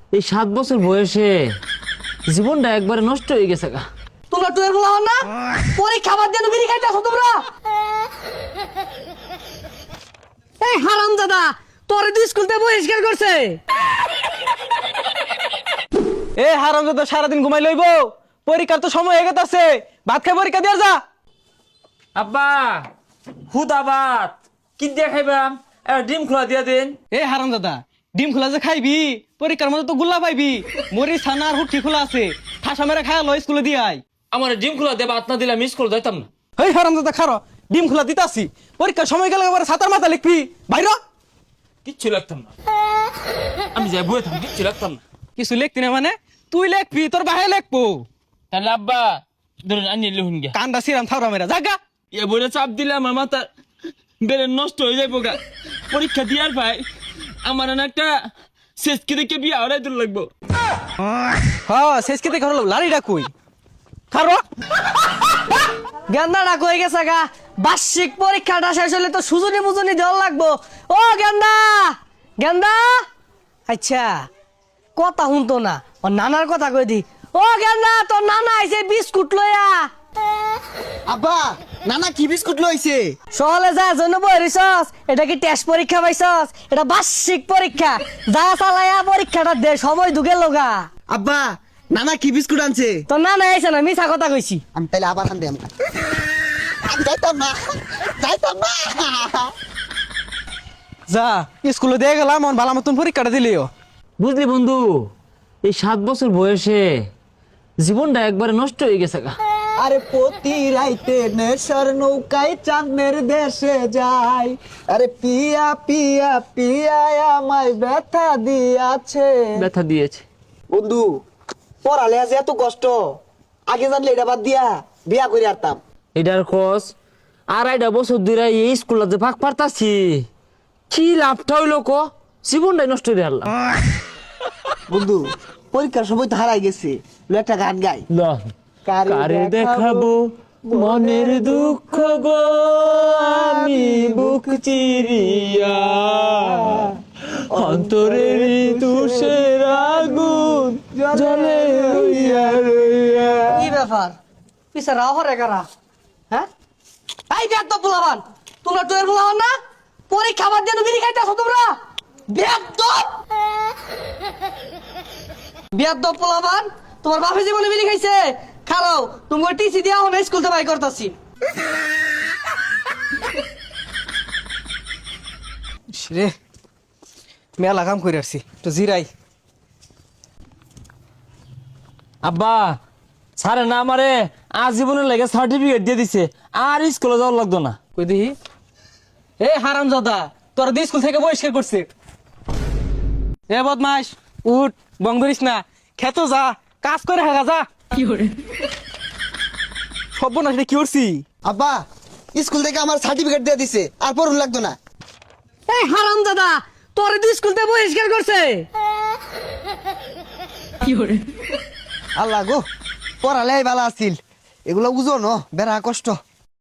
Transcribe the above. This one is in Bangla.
এই 7 বছর বয়সে জীবনটা একবারে নষ্ট হয়ে গেছে গা। তোমরা টুয়ের বলা হন না পরীক্ষা বাদ দিয়ে বিড়ি খাইতেছো তোমরা। এই হারামজাদা তোরে তো স্কুল থেকে বহিষ্কার করছে। এ হারামজাদা সারাদিন ঘুমাই লইব, পরীক্ষার তো সময় হয়ে গেছে, ভাত খাই পরীক্ষা দিয়ে যা। আব্বা হুদাবাদ কি দিয়ে খাইবাম? ডিম খোলা দিয়া দিন। এ হারামজাদা ডিম খোলা যে খাইবি, পরীক্ষার মধ্যে তো গুল্লা পাইবি। মরি ছানা আর হুটকি খোলা আছে, ঠাসা মেরে খায়া লো স্কুলে দিয়ে আয়। আমার ডিম খোলা দেবা আত না দিলে আমি স্কুল যাইতাম না। এই হারামজাদা খারো, ডিম খোলা দিতাছি, পরীক্ষার সময় গেলে এবার সাতার মাথা লিখবি বাইর। কিচ্ছু লাগতাম না, আমি যাই বই থাম, কিচ্ছু লাগতাম না। কিছু লিখতি না মানে তুই লিখবি, তোর বাহে লিখবো। তাহলে আব্বা ধরুন আনিয়ে লিখুন গিয়া। কান্দা সিরাম থাওরা মেরা জাগা। এ বইটা চাপ দিলে আমার মাথা বেড়ে নষ্ট হয়ে যাইব গা। পরীক্ষা দিয়ার ভাই আমার না একটা শেষকে দেখে বিয়ে আড়াই দূর লাগবো। হ্যাঁ শেষ কেতে খারো লাড়িটা কই খারো। গেন্দাটা কই গেছে গা? বার্ষিক পরীক্ষাটা শেষ হলে তো সুজনি মুজনি দেওয়া লাগবো। ও গেন্দা গেন্দা, আচ্ছা কথা শুনতো না, ও নানার কথা কই দি। ও গেন্দা তোর নানা আইছে বিস্কুট লইয়া। আব্বা নানা কি বিস্কুট লইছে? সহলে যা জন্য বইরিছস, এটা কি টেস্ট পরীক্ষা পাইছস? এটা বার্ষিক পরীক্ষা, যা চালায়া পরীক্ষাটা দে, সময় ঢুকে লগা। আব্বা নানা কি বিস্কুট আনছে? তোর নানা আইছে না, মিছা কথা কইছি। আমি তাইলে আবার আনতে আমি যাইতাম না, যাইতাম না। যা স্কুলে দিয়ে গেলাম, মন ভালো মতন পরীক্ষাটা দিলিও। বুঝলি বন্ধু, এই 7 বছর বয়সে জীবনটা একবারে নষ্ট হয়ে গেছে গা। আরে প্রতি রাইতে নেশার নৌকায় চাঁদের দেশে যায়, আরে পিয়া পিয়া পিয়া আমায় ব্যথা দিয়াছে। ব্যথা দিয়েছে বন্ধু পড়ালে আজ এত কষ্ট, আগে জানলে এটা বাদ দিয়া বিয়া করে আরতাম। এটার খোঁজ 2.5 বছর ধরে এই স্কুলে যে ফাঁক পারতাছি, কি লাভটা হইলো ক? জীবনটাই নষ্ট হয়ে হারলাম। বন্ধু পরীক্ষার সময় তো হারাই গেছে, একটা গান গাই। কারে দেখাবো মনের দুঃখ গো, আমি বুক চিরিয়া অন্তরের তুষের আগুন জ্বলে রইয়া রইয়া। কি ব্যাপার পিছে রাও হরে কারা? হ্যাঁ এই ব্যাগ পোলাবান, তোমরা টুয়ের পোলাবান না পরীক্ষা বাদ দিয়ে বিড়ি খাইতেছো তোমরা। বেয়াদব পোলাবান, তোমার বাপে জীবনে বিড়ি খাইছে? খারাও তুমি টিসি দিয়া হন স্কুল থেকে বাই করতাছি। রে মেলা কাম করে আসছি, তো জিরাই। আব্বা স্যারে না আমারে আজীবনের লাগে সার্টিফিকেট দিয়ে দিছে, আর স্কুলে যাওয়ার লাগতো না। কই দেখি। এ হারামজাদা তোর দিয়ে স্কুল থেকে বহিষ্কার করছে। এ বদমাস উঠ, বং ধরিস না, খেতো যা, কাজ করে হাগা যা। কি করে সব না, সেটা কি করছি? আব্বা স্কুল থেকে আমার সার্টিফিকেট দিয়ে দিছে, আর পড়ুন লাগতো না। এই হারামজাদা তোর তো স্কুল থেকে বহিষ্কার করছে। আল্লাহ গো পড়ালে ভালো আছিল, এগুলো বুঝো ন বেড়া কষ্ট।